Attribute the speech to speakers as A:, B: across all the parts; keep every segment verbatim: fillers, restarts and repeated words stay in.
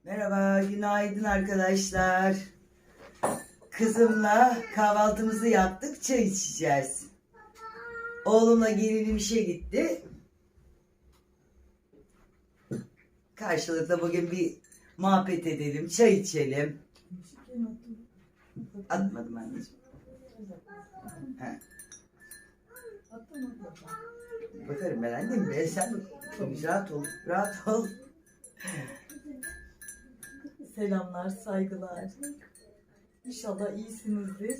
A: Merhaba, günaydın arkadaşlar. Kızımla kahvaltımızı yaptık, çay içeceğiz. Oğlumla gelinim işe gitti. Karşılıklı bugün bir muhabbet edelim, çay içelim. Atmadım anneciğim. He. Bakarım ben annem be, sen rahat ol, rahat ol.
B: Selamlar, saygılar. İnşallah iyisinizdir.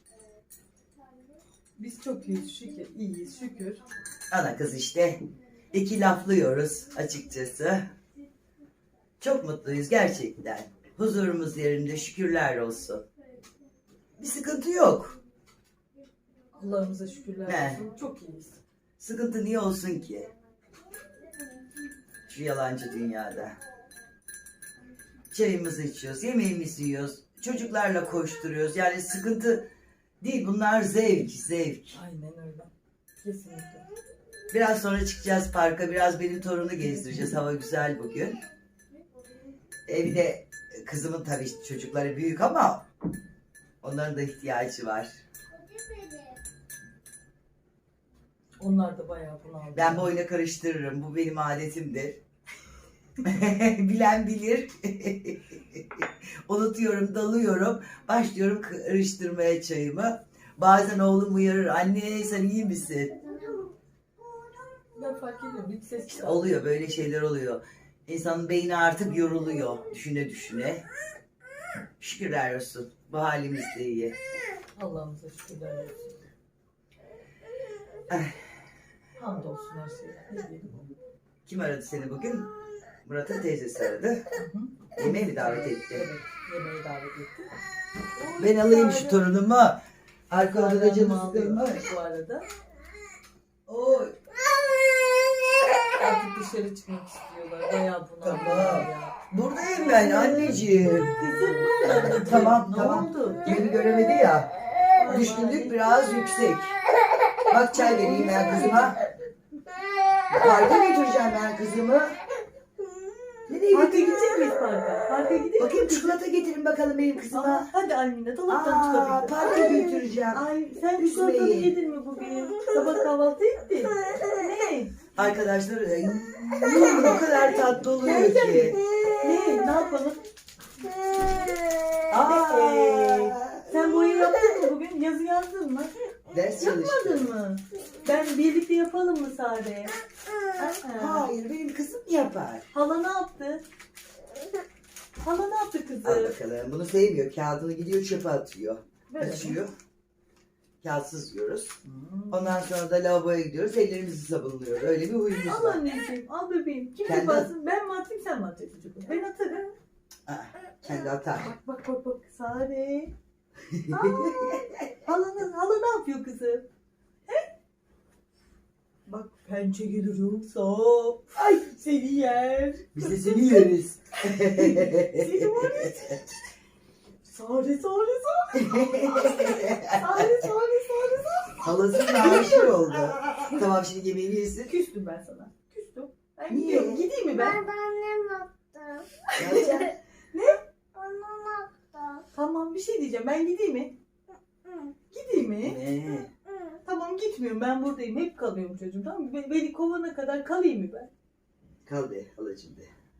B: Biz çok iyiyiz şükür, iyiyiz şükür.
A: Ana kız işte, iki laflıyoruz açıkçası. Çok mutluyuz gerçekten. Huzurumuz yerinde, şükürler olsun. Bir sıkıntı yok.
B: Allah'ımıza şükürler
A: He.
B: olsun. Çok iyiyiz.
A: Sıkıntı niye olsun ki? Şu yalancı dünyada. Çayımızı içiyoruz, yemeğimizi yiyoruz. Çocuklarla koşturuyoruz. Yani sıkıntı değil, bunlar zevk, zevk.
B: Aynen öyle. Kesinlikle.
A: Biraz sonra çıkacağız parka, biraz benim torunu gezdireceğiz. Hava güzel bugün. Evde kızımın tabii çocukları büyük ama onların da ihtiyacı var.
B: Onlar da bayağı bunaldı.
A: Ben boyuna karıştırırım. Bu benim adetimdir. Bilen bilir. Unutuyorum, dalıyorum. Başlıyorum karıştırmaya çayımı. Bazen oğlum uyarır. Anne sen iyi misin?
B: Ben fark ediyorum. Bir ses
A: İşte
B: çıkar.
A: oluyor, böyle şeyler oluyor. İnsanın beyni artık yoruluyor. Düşüne düşüne. Şükürler olsun. Bu halimiz de iyi.
B: Allah'ımıza şükürler olsun.
A: Ay,
B: Hamdolsun her şeye. Ne diyelim?
A: kim aradı seni bugün? Murat'ın teyzesi aradı.
B: Hı hı.
A: Yemeğe mi davet etti?
B: Evet. Yemeğe davet etti.
A: Ben alayım şu torunumu. Arka odada canı
B: Ağlıyor
A: sıkılmış.
B: bu arada.
A: Oy.
B: Artık dışarı çıkmak istiyorlar. Bayağı bunaldılar
A: Tamam.
B: ya.
A: Buradayım ben anneciğim.
B: Kızım ne oldu?
A: Tamam
B: Ne
A: tamam.
B: oldu?
A: Beni göremedi ya. Düşkünlük biraz yüksek. Bak çay vereyim ben kızıma. Parka götüreceğim ben kızımı. Nereye
B: Parka
A: götüreyim?
B: gidecek miyiz parka? Parka gidelim.
A: Bakayım çikolata getirin bakalım benim
B: Aa,
A: kızıma.
B: hadi Almina dolaptan
A: Aa,
B: çıkabilir.
A: parka götüreceğim.
B: Ay sen
A: Üzmeyin.
B: çikolatanı yedin mi bugün? Sabah kahvaltı ettin. Ne?
A: Arkadaşlar ay, o kadar tatlı oluyor ki.
B: Ne? Ne yapalım?
A: Aa,
B: Ee, sen boyu yaptın mı bugün? Yazı yazdın mı?
A: ders çalıştım.
B: Yapmadın mı? Ben birlikte yapalım mı Sare? Aa,
A: Hayır benim kızım yapar.
B: hala ne yaptı? Hala ne yaptı
A: Al
B: kızı?
A: bakalım. Bunu sevmiyor. Kağıdını gidiyor çöpe atıyor.
B: Ver
A: Açıyor. Kağıtsız yiyoruz.
B: Hmm.
A: Ondan sonra da lavaboya gidiyoruz. Ellerimizi sabunluyoruz. Öyle bir huyumuz
B: Al
A: var.
B: anneciğim, al bebeğim. Kim
A: Kendi-
B: yaparsın? Ben mi atayım, sen mi atacaksın çocuğum? Ben atarım.
A: Aa, kendi atar.
B: Bak bak bak bak Sare. Aa, hala, hala ne yapıyor kızım? He? Bak pençe gelir yoksa. Ay seni yer.
A: Biz de seni yeriz.
B: Seni var ya. Sare Sare Sare. Sare Sare Sare Sare.
A: Halasının aşık oldu. Tamam şimdi yemeğini yesin.
B: Küstüm ben sana. Küstüm. Ben
A: Niye?
B: gidiyorum. Gideyim mi ben?
C: Ben annem attı.
A: Ne yapacaksın?
C: Annem attı.
B: Tamam bir şey diyeceğim. Ben gideyim mi?
C: Hı,
B: Gideyim mi?
A: Ne?
C: hı.
B: Tamam gitmiyorum. Ben buradayım. Hep kalıyorum çocuğum. Tamam mı? Be- Beni kovana kadar kalayım mı ben?
A: Kal be halacığım be.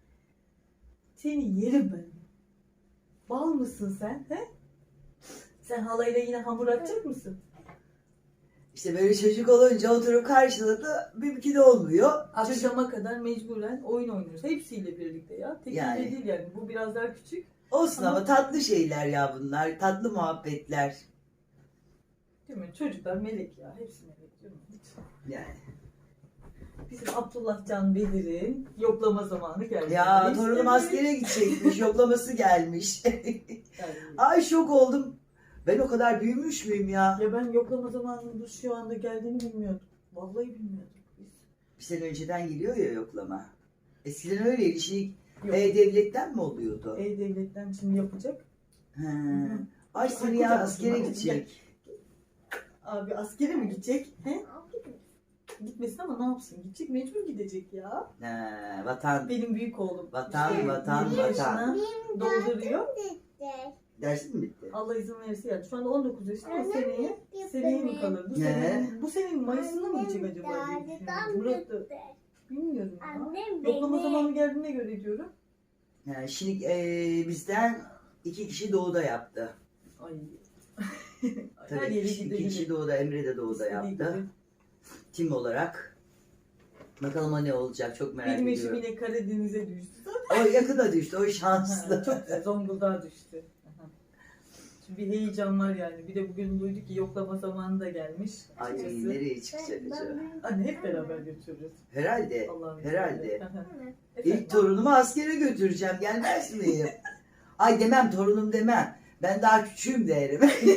B: Seni yerim ben. Bal mısın sen? He? Sen halayla yine hamur atacak mısın?
A: İşte böyle çocuk olunca oturup karşılıklı mümkün olmuyor. Çocuk
B: Akşama kadar mecburen oyun oynuyoruz. Hepsiyle birlikte ya. Tek
A: Yani.
B: yani. değil yani. Bu biraz daha küçük.
A: olsun ama
B: Ama-
A: tatlı şeyler ya bunlar. Tatlı muhabbetler.
B: Değil mi? Çocuklar melek ya. Hepsi melek değil mi? Hiç.
A: Yani.
B: Bizim Abdullah Can Belir'in yoklama zamanı geldi.
A: Ya
B: Biz
A: torunum
B: de-
A: askere gidecekmiş. Yoklaması gelmiş.
B: Yani-
A: Ay şok oldum. Ben o kadar büyümüş müyüm ya?
B: Ya ben yoklama zamanının şu anda geldiğini bilmiyordum. Vallahi bilmiyordum. Biz.
A: Bir sene önceden geliyor ya yoklama. Eskiden öyleydi. Şey,
B: Yok.
A: E-Devlet'ten mi oluyordu?
B: E-Devlet'ten şimdi yapacak.
A: He.
B: Hı.
A: Ay seni ya
B: Kucak
A: askere
B: kucak.
A: gidecek.
B: Abi askere mi gidecek? He? Gitmesin ama ne yapsın? Gidecek, mecbur gidecek ya.
A: He, vatan.
B: Benim büyük oğlum.
A: Vatan,
B: işte
A: vatan,
B: yirmi
A: vatan.
B: yaşına dolduruyor.
A: Dersin mi bitti?
B: Allah izin verirse yani. Şu anda on dokuz yaşında ama
C: Annem
B: seneye
C: gitti
B: seneye mi
C: mi?
B: kalır? Bu
A: Ne?
B: sene, bu senenin Mayıs'ında mı gidecek acaba diye düşünüyorum. Murat da bilmiyorum ya.
C: Annem
B: Yoklama
C: beni.
B: zamanı geldiğine göre diyorum.
A: Yani şimdi e, bizden iki kişi doğuda yaptı.
B: Ay. Her
A: Tabii
B: yere
A: iki, iki kişi
B: gidebilir.
A: doğuda, Emre de doğuda
B: İstediği
A: yaptı.
B: gibi.
A: Tim olarak. Bakalım o ne olacak, çok merak
B: Benim eşim
A: ediyorum.
B: yine Karadeniz'e düştü.
A: O yakına düştü, o
B: Ha,
A: şanslı.
B: çok güzel. Zonguldak'a düştü. Aha. Şimdi bir heyecan var yani. Bir de bugün duyduk ki yoklama zamanı da gelmiş.
A: Ay
B: Açıkçası.
A: nereye çıkacak acaba?
B: Anne hep beraber götürürüz.
A: Herhalde,
B: Allah'ım
A: herhalde.
B: izniyle. Aha. Efendim?
A: İlk torunumu askere götüreceğim, gelmez miyim? Ay demem, torunum demem. Ben daha küçüğüm derim.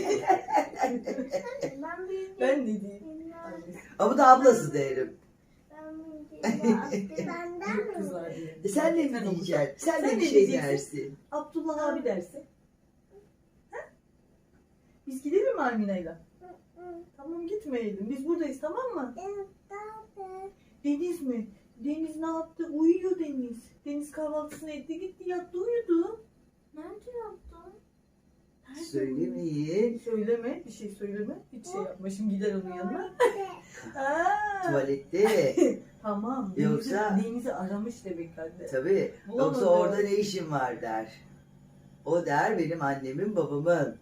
C: Ben büyüdüm.
B: Ben ne diyeyim?
C: Ben-
A: Ama da ablası derim.
C: ben büyüdüm. Aslı benden
B: Büyük
C: mi?
B: kızlar diye.
A: E sen ne mi
B: Sen
A: diyeceksin? Sen,
B: Sen
A: de
B: ne
A: bir şey
B: diyeceksin?
A: dersin.
B: Abdullah abi dersin. Ha? Biz gidelim mi Almina'yla?
C: Hı,
B: Tamam gitmeyelim. Biz buradayız tamam mı?
C: evet, tabii.
B: Deniz mi? Deniz ne yaptı? Uyuyor Deniz. Deniz kahvaltısını etti gitti yattı uyudu.
C: Nerede yaptın?
B: Nerede
A: Söylemeyin.
B: Söyleme, bir şey söyleme. Hiç şey yapma. Şimdi gider onun yanına.
C: Nerede?
B: Aa,
A: Tuvalette.
B: tamam. Deniz'i,
A: Yoksa-
B: Deniz'i aramış demek anne.
A: Tabii.
B: Bulamadı.
A: Yoksa orada ne işin var der. O der benim annemin babamın.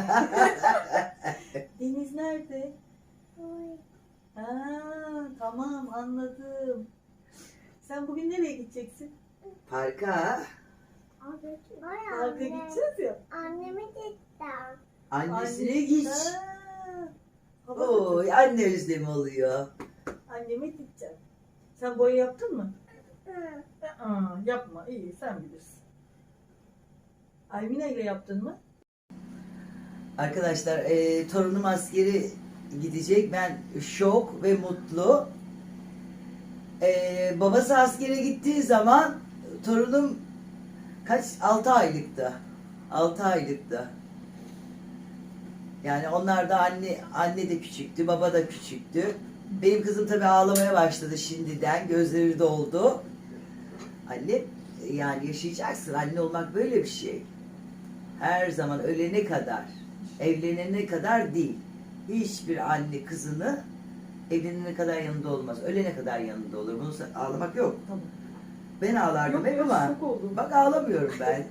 B: Deniz nerede?
C: Oy.
B: Aa, tamam anladım. Sen bugün nereye gideceksin?
A: Parka.
C: Abi, vay
B: Parka
C: anne.
B: gideceğiz ya.
C: Annemi gittim.
A: Annesine
B: Anne-
A: git.
B: Aa, hava
A: Oy
B: kötü.
A: anne özlemi oluyor.
B: Anneme gideceğim. Sen boya yaptın mı?
C: Hı.
B: Aa, yapma. İyi sen bilirsin. Almina ile yaptın mı?
A: Arkadaşlar e, torunum askeri gidecek. Ben şok ve mutlu. E, babası askere gittiği zaman torunum kaç? altı aylıktı. altı aylıktı. Yani onlar da anne anne de küçüktü, baba da küçüktü. Benim kızım tabii ağlamaya başladı şimdiden. Gözleri doldu. Anne yani yaşayacaksın. Anne olmak böyle bir şey. Her zaman ölene kadar, evlenene kadar değil. Hiçbir anne kızını evlenene kadar yanında olmaz. Ölene kadar yanında olur. Bunu sa- ağlamak yok.
B: Tamam.
A: Ben ağlardım
B: Yok,
A: hep
B: yok,
A: ama
B: şok oldum.
A: bak ağlamıyorum ben.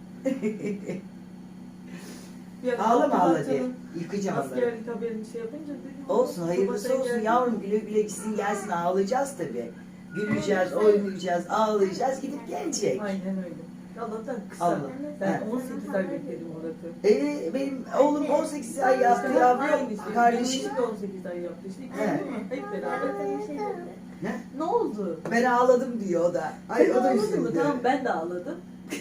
B: Ya,
A: Ağlama
B: Abdullah
A: ağla de.
B: Can'ın
A: Yıkacağım onları.
B: askerlik haberini şey yapınca dedim.
A: Olsun
B: baba
A: hayırlısı
B: sen
A: olsun
B: geldin.
A: yavrum, güle güle gitsin gelsin, ağlayacağız tabii. Güleceğiz, oynayacağız, ağlayacağız, gidip gelecek.
B: Aynen öyle. Allah'tan kısa.
A: Allah.
B: Ben
A: Ha.
B: on sekiz ay bekledim Murat'ı.
A: Ee, benim oğlum on sekiz ay yaptı
B: İşte
A: yavrum,
B: aynı işte.
A: kardeşim.
B: Benim de on sekiz ay yaptı işte. İkisi
A: He.
B: değil mi? Hep beraber.
A: Ne?
B: Ne oldu?
A: Ben ağladım diyor o da. Ay
B: Sen
A: o da
B: ağladın mı?
A: üzüldü.
B: Tamam ben de ağladım.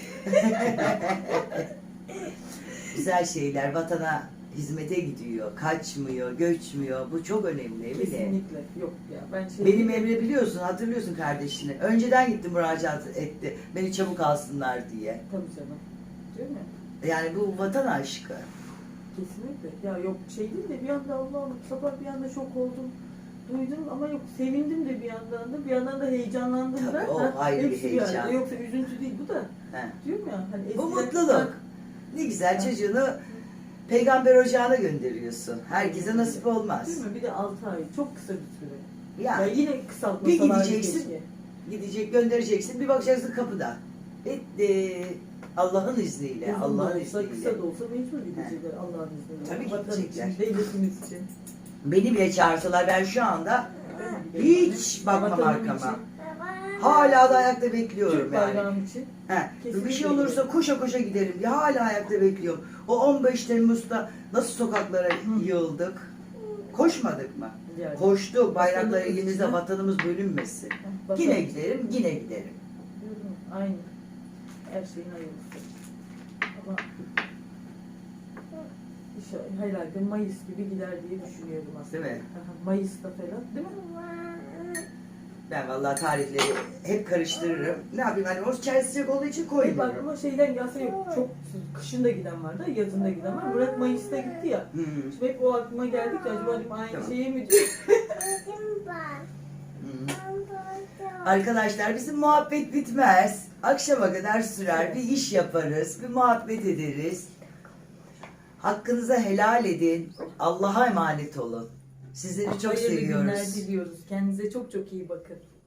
A: Güzel şeyler vatana hizmete gidiyor, kaçmıyor, göçmüyor. Bu çok önemli Emine.
B: Kesinlikle. Yok ya ben şey...
A: Benim Emre biliyorsun, hatırlıyorsun kardeşini. Önceden gitti müracaat etti. Beni çabuk alsınlar diye.
B: Tabii canım. Değil mi?
A: Yani bu vatan aşkı.
B: Kesinlikle. Ya yok şey değil de bir anda Allah'ım sabah bir anda şok oldum. Duydum ama yok sevindim de bir yandan da bir yandan da heyecanlandım da.
A: Tabii, o
B: Ha,
A: ayrı bir
B: hepsi arada.
A: heyecan.
B: Yoksa üzüntü değil bu da.
A: He.
B: Diyorum ya hani
A: Bu
B: eskiden-
A: mutluluk. Ne güzel çocuğunu peygamber ocağına gönderiyorsun. Herkese nasip olmaz.
B: Değil mi? Bir de altı ay. Çok kısa bir süre. Ya,
A: Ya
B: yine
A: bir
B: kısaltmasalar
A: gideceksin,
B: keşke.
A: gidecek göndereceksin, bir bakacaksın kapıda. Bitti. Allah'ın izniyle,
B: Uzun da
A: Allah'ın
B: olsa,
A: izniyle.
B: kısa da olsa mecbur gidecekler Allah'ın izniyle.
A: Tabii
B: Vatan
A: gidecekler.
B: için, devletimiz için.
A: Beni bile çağırsalar ben şu anda hiç bakmam
B: Vatanım
A: arkama.
B: için,
A: Hala da ayakta bekliyorum
B: Türk
A: yani.
B: bayrağım için.
A: He,
B: Kesinlikle
A: bir şey olursa koşa koşa giderim diye hala ayakta bekliyorum. O on beş Temmuz'da nasıl sokaklara yığıldık? Koşmadık mı?
B: Yani.
A: Koştuk, bayraklar
B: Vatanımız
A: elimizde,
B: için.
A: vatanımız bölünmesin.
B: Vatan
A: Yine
B: için.
A: giderim, yine giderim.
B: Diyorum, aynı. Her şeyin hayırlısı. Ama inşallah herhalde Mayıs gibi gider diye düşünüyorum aslında.
A: Değil mi?
B: Aha, Mayıs'ta falan değil mi?
A: Ben vallahi tarihleri hep karıştırırım. Ne yapayım hani o çay sıcak olduğu için
B: Hep
A: koymuyorum.
B: aklıma şeyden gelse yok. Çok kışın da giden vardı, yazın da giden var. Murat Mayıs'ta gitti ya.
A: Hmm.
B: Şimdi hep o aklıma geldi ki acaba dedim aynı
A: Tamam.
B: şeye mi diyor?
C: Dedim ben. Ben doydum.
A: Arkadaşlar bizim muhabbet bitmez. Akşama kadar sürer. Bir iş yaparız. Bir muhabbet ederiz. Hakkınızı helal edin. Allah'a emanet olun. Sizleri çok
B: Hayırlı günler
A: seviyoruz.
B: diliyoruz. Kendinize çok çok iyi bakın.